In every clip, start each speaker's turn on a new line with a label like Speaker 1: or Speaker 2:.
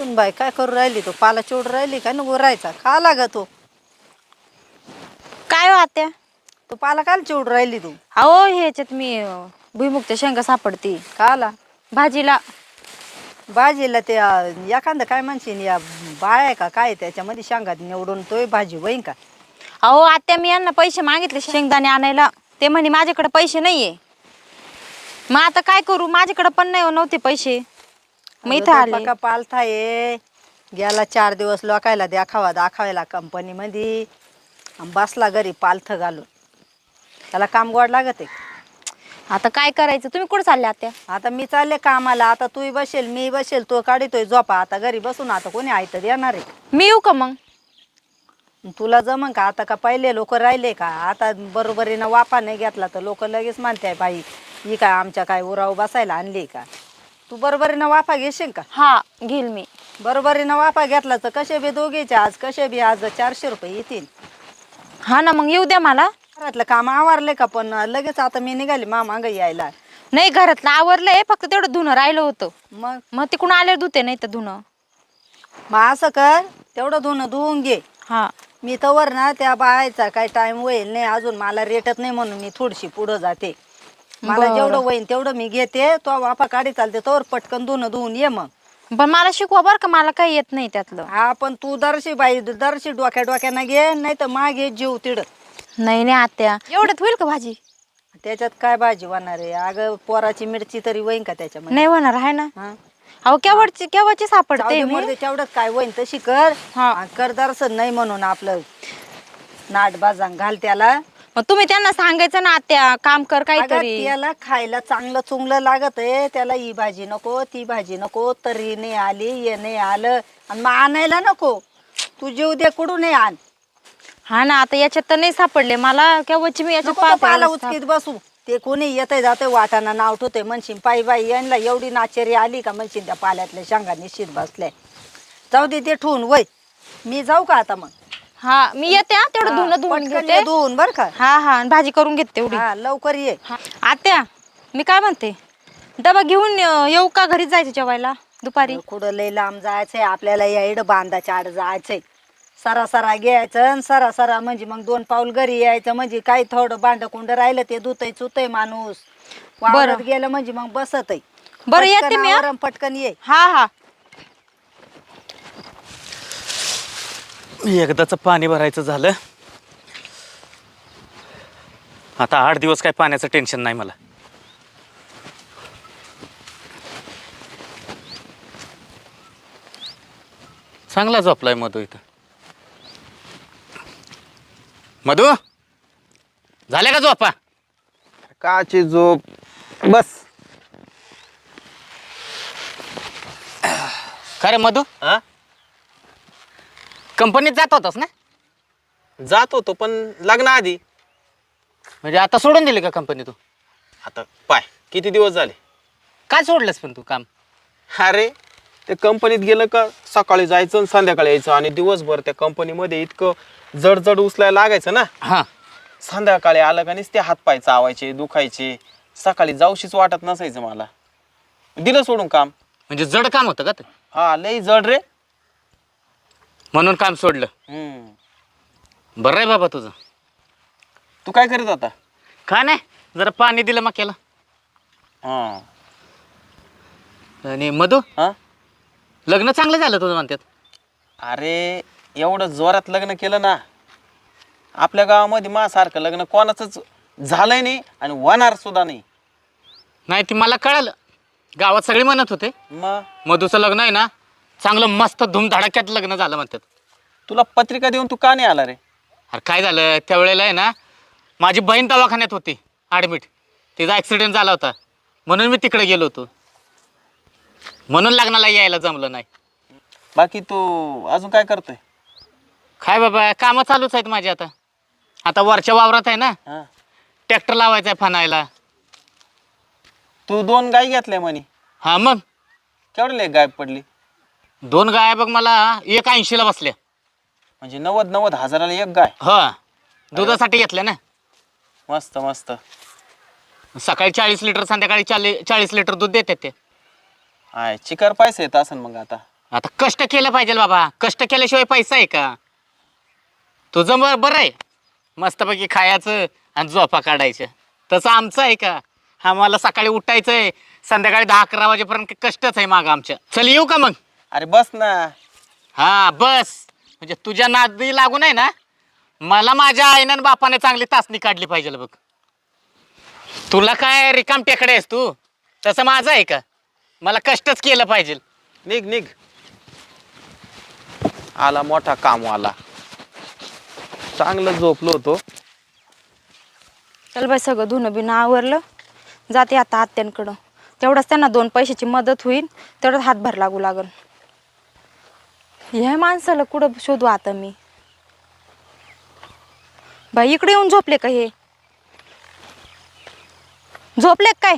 Speaker 1: बाई काय करू राहिली तू? पाला चिवड राहिली का नको राहायचा? खा लाग तू.
Speaker 2: काय हो आत्या?
Speaker 1: तू पाला काल चिवड राहिली तू?
Speaker 2: अहो ह्याच्यात मी भुईमुगच्या शेंगा सापडती
Speaker 1: खाला
Speaker 2: भाजीला.
Speaker 1: भाजीला ते एखादं काय म्हणशील या बाळ आहे का काय त्याच्यामध्ये शेंगात निवडून तोय भाजी होईन का?
Speaker 2: अहो आत्या मी यांना पैसे मागितले शेंगदाणे आणायला, ते म्हणे माझ्याकडे पैसे नाहीये. मग आता काय करू, माझ्याकडे पण नाही नव्हते पैसे. मग इथं आले.
Speaker 1: का पालथा ये गेला 4 दिवस लोकायला दाखवायला कंपनी मध्ये बसला घरी पालथ घालून. त्याला काम गोड लागत आहे.
Speaker 2: आता काय करायचं, तुम्ही कुठे चालले आत्या?
Speaker 1: आता मी चालले कामाला. आता तूही बसेल मी बसेल, तो काढितोय झोपा. आता घरी बसून आता कोणी आयत देणार आहे?
Speaker 2: मी येऊ का मग?
Speaker 1: तुला जमन का? आता का पहिले लोक राहिले का? आता बरोबरीनं वापा नाही घेतला तर लोक लगेच म्हणते बाई ही काय आमच्या काय उराव बसायला आणली का? तू बरोबरीनं वाफा घेशील का?
Speaker 2: हा घेईल मी.
Speaker 1: बरोबरीनं वाफा घेतला तर कसे बी दोघीचे आज 400 रुपये येतील.
Speaker 2: हा ना, मग येऊ द्या मला.
Speaker 1: घरातलं काम आवरले का? पण लगेच आता मी निघाली माग यायला.
Speaker 2: नाही घरातलं आवरलंय, फक्त तेवढं धुणं राहिलं होतं.
Speaker 1: मग
Speaker 2: तिकडून आले धुते, नाही तर धुणं.
Speaker 1: मग असं कर, तेवढं धुवून घे.
Speaker 2: हा
Speaker 1: मी तवर ना त्या बायचा काय टाइम होईल नाही अजून, मला रेटत नाही म्हणून मी थोडीशी पुढं जाते. मला जेवढं होईल तेवढं मी घेते. तो वाफा काढी चालते तोवर पटकन धुवून ये. मग
Speaker 2: पण मला शिकवा बरं का, मला काही येत नाही त्यातलं.
Speaker 1: हा पण तू दरशी डोक्यानं घे, नाही तर मागे जीव तिड.
Speaker 2: नाही आत्या, एवढ्यात होईल का भाजी?
Speaker 1: त्याच्यात काय भाजी होणार आहे? अगं पोराची मिरची तरी होईन का त्याच्यामध्ये?
Speaker 2: नाही होणार आहे ना.
Speaker 1: हा
Speaker 2: अहो केव्हाची सापडते मी.
Speaker 1: तेवढंच काय होईन तशी कर.
Speaker 2: हा.
Speaker 1: कर दर्शन नाही म्हणून आपलं नाट बाजांग घाल त्याला.
Speaker 2: मग तुम्ही त्यांना सांगायचं ना आत्या, काम कर
Speaker 1: अगं,
Speaker 2: काहीतरी.
Speaker 1: त्याला खायला चांगलं चुंगलं लागत आहे. त्याला ही भाजी नको ती भाजी नको, तरी नाही आली ये नाही आलं आणि मग आणायला नको. तू जीव दे कुठून नाही आण.
Speaker 2: हा ना, आता याच्यात तर नाही सापडले मला. केव्हाची मी याच्यात
Speaker 1: नको तो पाला
Speaker 2: पाहते.
Speaker 1: उचकीत बसू. ते कोणी येते जाते वाटाना नाव ठेवते म्हणशील पायी बाई यांना एवढी नाचेरी आली का म्हणशील त्या पाल्यातल्या शेंगा निश्चित बसल्या. जाऊ दे ते ठेवून वय. मी जाऊ का आता? मग
Speaker 2: हा मी येते. तेवढं धुवून घेते.
Speaker 1: धुवून बर का?
Speaker 2: हा आणि भाजी करून घेते तेवढी.
Speaker 1: हा लवकर ये.
Speaker 2: आत्या मी काय म्हणते, डबा घेऊन येऊ का? घरीच जायचं जेवायला दुपारी?
Speaker 1: कुठं लय लांब जायचंय आपल्याला? या इड बांधाच्या आड जायचंय. सरा घ्यायचं सरा म्हणजे मग 2 पाऊल घरी यायचं. म्हणजे काही थोडं भांड कुंड राहिलं ते धुतय चुतय माणूस. वावरात गेलं म्हणजे मग बसत.
Speaker 2: बरं येते मी.
Speaker 1: पटकन ये.
Speaker 2: हा
Speaker 3: एकदाच पाणी भरायचं झालं. आता 8 दिवस काय पाण्याचं टेन्शन नाही मला. चांगला झोपलाय मधू इथं. मधू झाल्या का झोपा?
Speaker 4: काची झोप बस.
Speaker 3: खरे मधू, कंपनीत जात होतास ना?
Speaker 4: जात होतो पण लग्नाआधी.
Speaker 3: म्हणजे आता सोडून दिली का कंपनी तू?
Speaker 4: आता पाय किती दिवस झाले.
Speaker 3: काय सोडलंस पण तू काम?
Speaker 4: अरे ते कंपनीत गेलं का सकाळी जायचं आणि संध्याकाळी यायचं आणि दिवसभर त्या कंपनीमध्ये इतकं जड उचलायला लागायचं ना.
Speaker 3: हा.
Speaker 4: संध्याकाळी आलं का नुसते हातपाय चावायचे दुखायचे. सकाळी जाऊशीच वाटत नसायचं मला. दिलं सोडून काम.
Speaker 3: म्हणजे जड काम होतं का ते?
Speaker 4: हा लई जड रे.
Speaker 3: म्हणून काम सोडलं. बरं आहे बाबा तुझं.
Speaker 4: तू काय करीत होता?
Speaker 3: काय नाही, जरा पाणी दिलं मक्याला.
Speaker 4: हा.
Speaker 3: आणि मधू,
Speaker 4: हा
Speaker 3: लग्न चांगलं झालं तुझं म्हणतात.
Speaker 4: अरे एवढं जोरात लग्न केलं ना. आपल्या गावामध्ये माझ्यासारखं लग्न कोणाचंच झालंय नाही आणि होणार सुद्धा नाही.
Speaker 3: नाही ती मला कळालं. गावात सगळे म्हणत होते
Speaker 4: मग
Speaker 3: मधूचं लग्न आहे ना चांगलं मस्त धूमधडाक्यात लग्न झालं म्हणतात.
Speaker 4: तुला पत्रिका देऊन तू का नाही आला रे?
Speaker 3: अरे काय झालं, त्यावेळेला आहे ना माझी बहीण दवाखान्यात होती ॲडमिट. तिचा ॲक्सिडेंट झाला होता म्हणून मी तिकडे गेलो होतो. म्हणून लग्नाला यायला जमलं नाही.
Speaker 4: बाकी तू अजून काय करतोय?
Speaker 3: काय बाबा, कामं चालूच आहेत माझी. आता वरच्या वावरात आहे ना
Speaker 4: हा.
Speaker 3: ट्रॅक्टर लावायचा आहे फनायला.
Speaker 4: तू 2 गाय घेतल्या म्हणे.
Speaker 3: हा मग
Speaker 4: केवढे गाय पडली?
Speaker 3: 2 गाय बघ मला 1.80ला बसल्या.
Speaker 4: म्हणजे 90 हजाराला 1 गाय.
Speaker 3: हा, दुधासाठी घेतल्या ना.
Speaker 4: मस्त मस्त.
Speaker 3: सकाळी 40 लिटर संध्याकाळी 40 लिटर दूध देतात ते.
Speaker 4: हाय चिकार पैसे येत असन मग आता.
Speaker 3: आता कष्ट केलं पाहिजे बाबा, कष्ट केल्याशिवाय पैसा आहे का? तुझं बरं आहे, मस्तपैकी खायचं आणि झोपा काढायचं. तसं आमचं आहे का? आम्हाला सकाळी उठायचंय, संध्याकाळी 10-11 वाजेपर्यंत कष्टच आहे मागं आमच्या. चल येऊ का मग?
Speaker 4: अरे बस ना.
Speaker 3: हा बस. म्हणजे तुझ्या नादी लागून आहे ना, मला माझ्या आईनं आणि बापाने चांगली तासणी काढली पाहिजे बघ. तुला काय रिकाम टेकडे आहेस तू? तसं माझं आहे का? मला कष्टच केलं पाहिजे.
Speaker 4: निघ निघ. आला मोठा कामवाला. चांगलं झोपलो होतो.
Speaker 2: चल बाई, सगळं धुणं बिणं आवरलं. जाते आता आत्यांकडं. तेवढंच त्यांना 2 पैशाची मदत होईल, तेवढंच हातभार लागू लागल. ह्या माणसाला कुठं शोधू आता मी? बाई इकडे येऊन झोपले का हे? झोपले काय?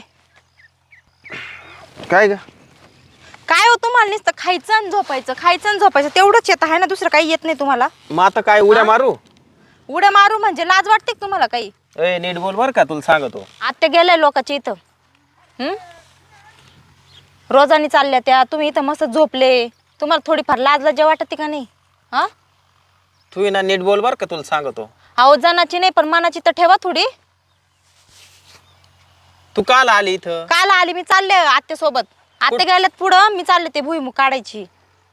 Speaker 4: काय ग?
Speaker 2: काय हो तुम्हाला नुसतं खायचं आणि झोपायचं, खायचं आणि झोपायचं तेवढंच येत आहे ना, दुसरं काही येत नाही तुम्हाला?
Speaker 4: मग आता काय उड्या मारू?
Speaker 2: उड्या मारू म्हणजे लाज वाटते का तुम्हाला काही?
Speaker 4: ए नीट बोल बर का, तुला सांगतो.
Speaker 2: आत्या गेलाय लोकांच्या इथं. रोजानी चालल्या त्या, तुम्ही इथं मस्त झोपले. तुम्हाला थोडीफार लाज लज्जा वाटते का नाही? हा
Speaker 4: तू ना नीट बोल बर का, तुला सांगतो.
Speaker 2: अहो जनाची नाही पण मनाची तर ठेवा थोडी.
Speaker 4: तू काल आली इथं?
Speaker 2: काल आली मी, चालले आत्यासोबत. आत्या गेल्यात पुढं, मी चालले ते भुईमुग काढायची.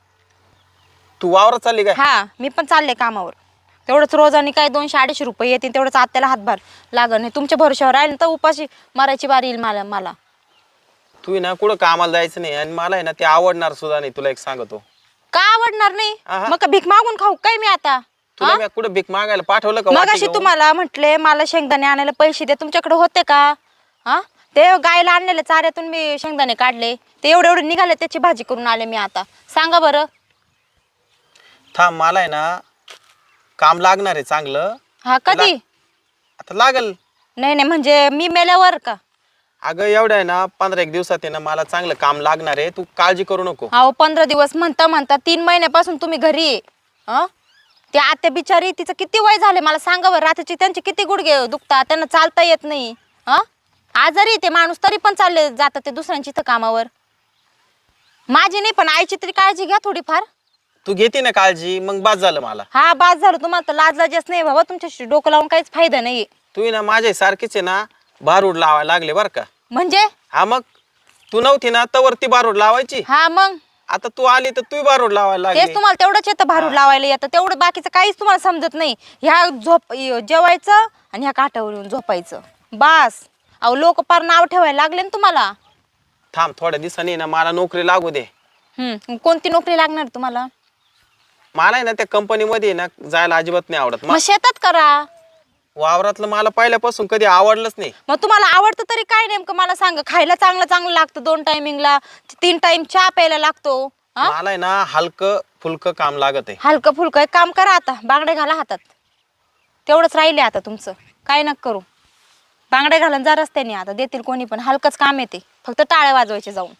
Speaker 4: तू वावरात चालली काय?
Speaker 2: हा मी पण चालले कामावर. तेवढंच रोजानी काय 200-250 रुपये येतील, तेवढंच आत्याला हातभार लागल. नाही तुमच्या भरोश्यावर राहील तर उपाशी मारायची बारी येईल मला.
Speaker 4: तू ना कुठं कामाला जायचं नाही, आणि मला आहे ना ते आवडणार सुद्धा नाही. तुला एक सांगतो.
Speaker 2: का आवडणार नाही?
Speaker 4: आहा.
Speaker 2: मग का भीक मागून खाऊ काय मी आता?
Speaker 4: तुला मी कुठं भीक मागायला पाठवलं का?
Speaker 2: मग
Speaker 4: वाटी
Speaker 2: अशी
Speaker 4: घेऊन?
Speaker 2: तुम्हाला म्हटले मला शेंगदाणे आणायला पैसे दे, तुमच्याकडे होते का? हा ते गायला आणलेले चाऱ्यातून मी शेंगदाणे काढले, ते एवढे निघाले, त्याची भाजी करून आले मी. आता सांगा बरं.
Speaker 4: थांब, मला आहे ना काम लागणार आहे चांगलं.
Speaker 2: हा कधी?
Speaker 4: आता लागल.
Speaker 2: नाही म्हणजे मी मेल्यावर का?
Speaker 4: अगं एवढं आहे ना 15-1 दिवसात आहे ना मला चांगलं काम लागणार आहे. तू काळजी करू नको.
Speaker 2: अहो 15 दिवस म्हणता 3 महिन्यापासून तुम्ही घरी आहे. ते आत्या बिचारी, तिचं किती वय झाले मला सांगा बरं. रात्रीची त्यांचे किती गुडघे दुखतात, त्यांना चालता येत नाही. आजारी ते माणूस, तरी पण चालले जातात ते दुसऱ्यांची इथं कामावर. माझी नाही पण आईची तरी काळजी घ्या थोडीफार.
Speaker 4: तू घेते ना काळजी, मग बास झालं मला.
Speaker 2: हा बास झालं. तुम्हाला तर लाज लाजच नाही बाबा, तुमच्याशी डोकं लावून काहीच फायदा नाहीये.
Speaker 4: तू ना माझ्या सारखीच आहे ना बारूड लावायला लागले बर का.
Speaker 2: म्हणजे?
Speaker 4: हा मग तू नव्हती ना तवर ती बारूड लावायची.
Speaker 2: हा मग
Speaker 4: आता तू आली तर तू बारूड लावायला
Speaker 2: तेच
Speaker 4: लागली.
Speaker 2: तुम्हाला तेवढंच येतं भारूड लावायला येतं, तेवढं बाकीचं काहीच तुम्हाला समजत नाही. ह्या जेवायचं आणि ह्या काठावर येऊन झोपायचं बास. अहो लोक पार नाव ठेवायला लागले ना तुम्हाला.
Speaker 4: थांब थोड्या दिवसांनी ना मला नोकरी लागू दे.
Speaker 2: कोणती नोकरी लागणार तुम्हाला?
Speaker 4: मला आहे ना त्या कंपनीमध्ये ना जायला अजिबात नाही आवडत.
Speaker 2: मग शेतात करा.
Speaker 4: वावरातलं मला पहिल्यापासून कधी आवडलंच नाही.
Speaker 2: मग तुम्हाला आवडतं तरी काय नेमकं मला सांगा. खायला चांगलं लागतं, 2 टायमिंगला 3 टाइम चहा प्यायला लागतो.
Speaker 4: मला आहे ना हलकं फुलकं काम लागत आहे.
Speaker 2: हलकं फुलकं एक काम करा, आता बांगडे घाला हातात. तेवढंच राहिले आता तुमचं. काय नका करू, बांगडे घालून जा रस्त्याने. आता देतील कोणी पण, हलकंच काम येते, फक्त टाळे वाजवायचे जाऊन.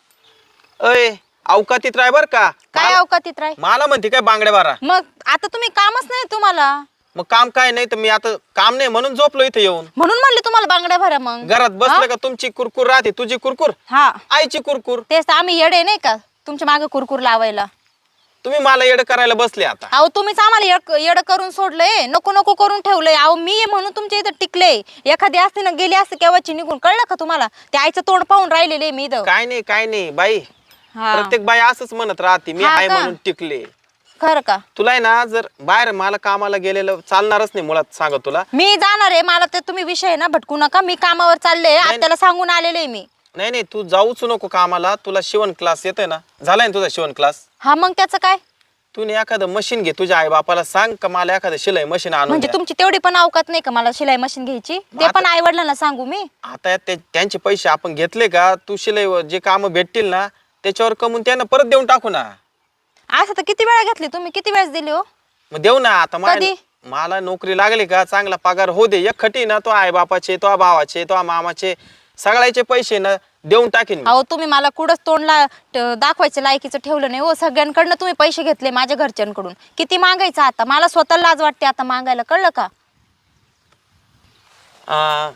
Speaker 4: अय अवकातीत राय बर का.
Speaker 2: काय अवकातीत राय?
Speaker 4: मला म्हणते काय बांगड्या बारा.
Speaker 2: मग आता तुम्ही कामच नाही तुम्हाला.
Speaker 4: मग काम काय नाही तर मी आता काम नाही म्हणून झोपलो इथे येऊन.
Speaker 2: म्हणून म्हणले तुम्हाला बांगड्या भरा. मग
Speaker 4: घरात बसलं का तुमची कुरकुर राहते, तुझी कुरकुर,
Speaker 2: हा
Speaker 4: आईची कुरकुर.
Speaker 2: तेच तर, आम्ही येडे नाही का तुमच्या मागे कुरकुर लावायला?
Speaker 4: तुम्ही मला येडं करायला बसले आता.
Speaker 2: अहो तुम्हीच आम्हाला येडं करून सोडलंय, नको करून ठेवलंय. अहो मी आहे म्हणून तुमच्या इथं टिकले. एखादी असते ना गेली असते केव्हाची निघून, कळलं का तुम्हाला? त्या आईचं तोंड पाहून राहिलेले मी इथं.
Speaker 4: काय नाही बाई,
Speaker 2: हा.
Speaker 4: प्रत्येक बाई असंच म्हणत राहते मी
Speaker 2: हा
Speaker 4: आहे
Speaker 2: का?
Speaker 4: म्हणून टिकले.
Speaker 2: खरं का?
Speaker 4: तुला आहे ना जर बाहेर मला कामाला गेलेलं चालणारच नाही मुळात, सांगत तुला.
Speaker 2: मी जाणार आहे, मला ते तुम्ही विषय ना भटकू नका. मी कामावर चालले, आत्याला सांगून आलेले मी.
Speaker 4: नाही तू जाऊच नको कामाला. तुला शिवण क्लास येतोय ना, झालाय ना तुझा शिवण क्लास?
Speaker 2: हा मग त्याचं काय?
Speaker 4: तू एखादं मशीन घे, तुझ्या आई बापाला सांग का मला एखादं शिलाई मशीन आणून
Speaker 2: म्हणजे
Speaker 4: द्या.
Speaker 2: तुमची तेवढी पण अवकात नाही का मला शिलाई मशीन घ्यायची? ते पण आई वडिलांना सांगू मी?
Speaker 4: आता त्यांचे पैसे आपण घेतले का, तू शिलाई जे काम भेटतील ना त्याच्यावर कमवून त्यांना परत देऊन टाकू ना.
Speaker 2: असं तर किती वेळा घेतली तुम्ही, किती वेळेस दिली हो?
Speaker 4: मग देऊ ना. आता
Speaker 2: कधी?
Speaker 4: मला नोकरी लागली का चांगला पगार हो दे, एक खटी ना तो आई बापाचे, तो भावाचे, तो मामाचे, सगळ्याचे पैसे ना देऊन टाकीन मी.
Speaker 2: अहो तुम्ही मला कुठंच तोंडला दाखवायचं लायकीचं ठेवलं नाही हो. सगळ्यांकडनं तुम्ही पैसे घेतले माझ्या घरच्यांकडून. किती मागायचं आता? मला स्वतःला लाज वाटते आता मागायला, कळलं का?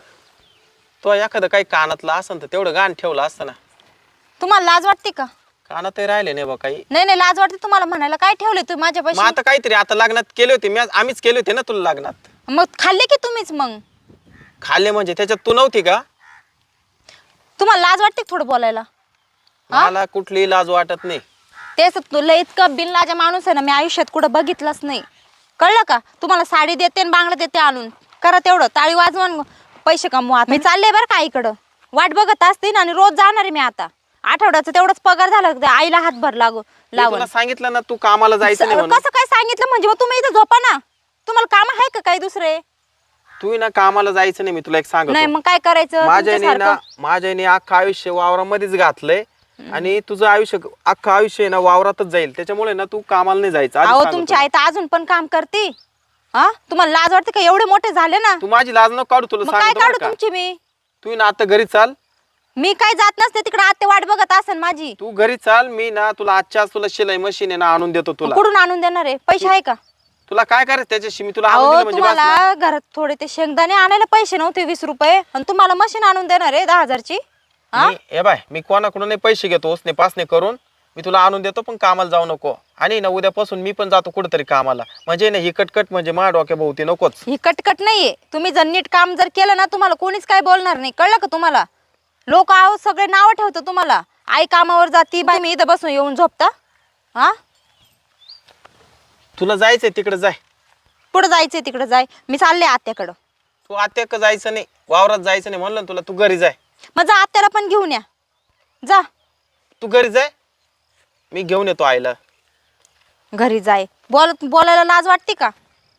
Speaker 4: तो एखादं काही कानातलं असं तर तेवढं गाण ठेवलं असतं ना.
Speaker 2: तुम्हाला लाज वाटते का?
Speaker 4: कानातही राहिले नाही बा काही.
Speaker 2: नाही नाही, लाज वाटते तुम्हाला म्हणायला. काय ठेवले तुम्ही
Speaker 4: मग
Speaker 2: माझ्यापाशी?
Speaker 4: आता काहीतरी आता लग्नात केले होते आम्हीच केले होते ना तुला लग्नात.
Speaker 2: मग खाल्ले की तुम्हीच? मग
Speaker 4: खाल्ले म्हणजे त्याच्यात तू नव्हती का?
Speaker 2: तुम्हाला लाज वाटते का थोडं बोलायला?
Speaker 4: मला कुठलीही लाज वाटत नाही.
Speaker 2: तेच तुला इतकं बिनलाजा माणूस आहे ना मी आयुष्यात कुठं बघितलंच नाही. कळलं का? तुम्हाला साडी देते आणि बांगला देते आणून. करा तेवढं, टाळी वाजवून पैसे कमवा. मी चालले बरं का आईकडं. वाट बघत असते आणि रोज जाणार आहे मी आता. आठवड्याचा तेवढाच पगार झाला त्या आईला हातभर
Speaker 4: मी
Speaker 2: लावून.
Speaker 4: तुला सांगितलं ना तू कामाला जायचं नाही म्हणून.
Speaker 2: कसं काय सांगितलं म्हणजे? मग तुम्ही इथं झोपा ना. तुम्हाला काम आहे का काही दुसरे?
Speaker 4: तू ना कामाला जायचं नाही, मी तुला एक
Speaker 2: नाही
Speaker 4: सांगतो.
Speaker 2: मग काय करायचं?
Speaker 4: माझ्याने अख्खं आयुष्य वावरामध्येच घातलंय आणि तुझं आयुष्य अख्खं आयुष्य ना वावरातच जाईल. त्याच्यामुळे ना तू कामाला नाही जायचं. आधीच
Speaker 2: अहो
Speaker 4: सांगतो
Speaker 2: तुमची
Speaker 4: तुला.
Speaker 2: आई तर अजून पण काम करते. हा, तुम्हाला लाज वाटते का? एवढे मोठे झाले ना.
Speaker 4: तू माझी लाज नको काढू, तुला
Speaker 2: मग काय
Speaker 4: सांगतो
Speaker 2: काढू
Speaker 4: बरं का.
Speaker 2: तुमची मी?
Speaker 4: तू ना आता घरी चाल.
Speaker 2: मी काय जात नसते तिकडे. आत्ते वाट बघत असेल माझी.
Speaker 4: तू घरी चाल. मी ना तुला आजच्या तुला शिलाई मशीन आहे ना आणून देतो तुला.
Speaker 2: कुठून आणून देणार आहे? पैसे आहे का?
Speaker 4: तुला काय करायचं त्याच्याशी? मी तुला आणून
Speaker 2: अहो
Speaker 4: दिलं म्हणजे बस ना.
Speaker 2: तुम्हाला घरात थोडे ते शेंगदाणे आणायला पैसे नव्हते 20 रुपये आणि तुम्हाला मशीन आणून देणार आहे 10,000ची.
Speaker 4: हे बाय, मी कोणाकडून नाही पैसे घेतो उसने पासने करून. मी तुला आणून देतो, पण कामाला जाऊ नको. आणि ना उद्यापासून मी पण जातो कुठेतरी कामाला. म्हणजे ना ही कटकट म्हणजे माझ्या डोक्या भोवती नकोच.
Speaker 2: ही कटकट नाहीये. तुम्ही जर नीट काम जर केलं ना तुम्हाला कोणीच काय बोलणार नाही. कळलं का तुम्हाला? लोक आहो सगळे नाव ठेवतात तुम्हाला. आई कामावर जाती, बाई मी इथं बसून येऊन झोपता. हा,
Speaker 4: तुला जायचंय तिकडे जाय.
Speaker 2: पुढे जायचंय तिकडे जाय. मी चालले आत्याकडं.
Speaker 4: तू आत्याक जायचं नाही, वावरात जायचं नाही म्हणलं ना तुला. तू घरी जाय.
Speaker 2: मग जा आत्याला पण घेऊन या. जा
Speaker 4: तू घरी जाय, मी घेऊन येतो आईला.
Speaker 2: घरी जाय. बोलायला लाज वाटते का?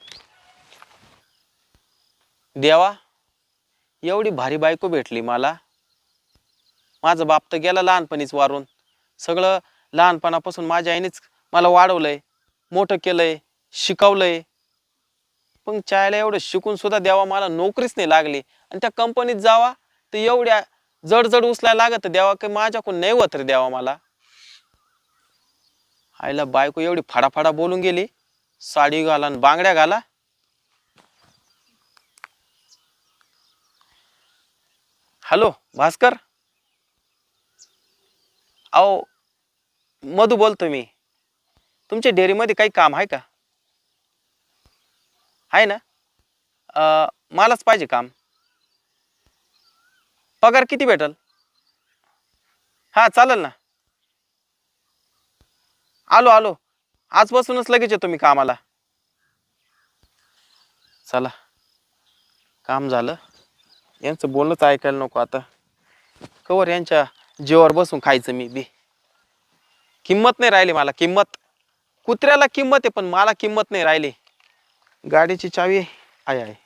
Speaker 4: देवा, एवढी भारी बायको भेटली मला. माझा बाप तर गेला लहानपणीच वारून. सगळं लहानपणापासून माझ्या आईनेच मला वाढवलंय, मोठं केलंय, शिकवलंय. पण चायला एवढं शिकून सुद्धा देवा मला नोकरीच नाही लागली. आणि त्या कंपनीत जावा तर एवढ्या जड उचलायला लागत देवा, की माझ्याकडून नाही होत रे देवा मला. आईला बायको एवढी फाडाफाडा बोलून गेली. साडी घाला आणि बांगड्या घाला. हॅलो भास्कर, अहो मधू बोलतो मी. तुमच्या डेअरीमध्ये काही काम आहे का? आहे ना? मलाच पाहिजे काम. पगार किती भेटल? हां चालेल ना. आलो आजपासूनच लगेच येतो मी कामाला. चला, काम झालं. यांचं बोलणंच ऐकायला नको आता. कवर यांच्या जीवावर बसून खायचं मी बी. किंमत नाही राहिली मला. किंमत कुत्र्याला किंमत आहे, पण मला किंमत नाही राहिली. गाडीची चावी आहे.